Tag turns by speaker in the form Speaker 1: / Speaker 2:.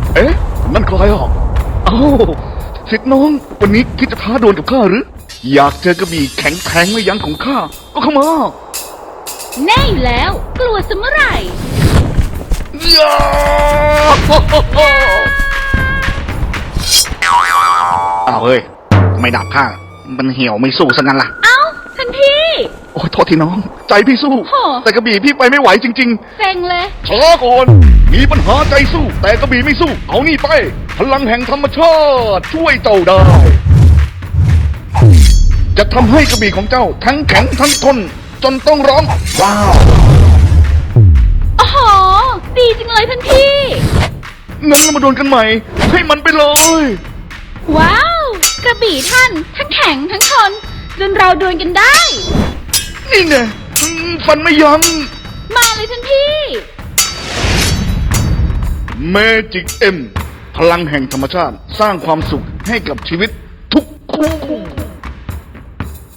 Speaker 1: เอ๊ะนั่นใครอ่ะอ้าวสิทธิ์น้องวันนี้คิดจะท้าดวลกับข้าหรืออยากเจอกระบี่แข็งแทงไม่ยั้งของข้าก็เข้ามา
Speaker 2: แน่อยู่แล้วกลัวซะเมื่อไหร่
Speaker 1: ยาอ้าวเฮ้ยไม่ดับข้ามันเหี่ยวไม่สู้ซะงั้นล่ะ
Speaker 2: เอ้าท่านพี่
Speaker 1: โอ้โทษทีน้องใจพี่สู้แต่กระบี่พี่ไปไม่ไหวจริงๆ
Speaker 2: เซ็งเลย
Speaker 1: ช้าก่อนมีปัญหาใจสู้แต่กระบี่ไม่สู้เอานี่ไปพลังแห่งธรรมชาติช่วยเจ้าได้จะทำให้กระบี่ของเจ้าทั้งแข็งทั้งทนจนต้องร้องว้าว
Speaker 2: โอ้โหดีจังเลยท่านพี่
Speaker 1: งั้นเรามาดวลกันใหม่ให้มันไปเลย
Speaker 2: ว้าวกระบี่ท่านทั้งแข็งทั้งทนจนเราดวลกันได้
Speaker 1: นี่ไงฟันไม่ยั้ง
Speaker 2: มาเลยท่านพี่
Speaker 1: เมจิกเอ็มพลังแห่งธรรมชาติสร้างความสุขให้กับชีวิตทุกคู่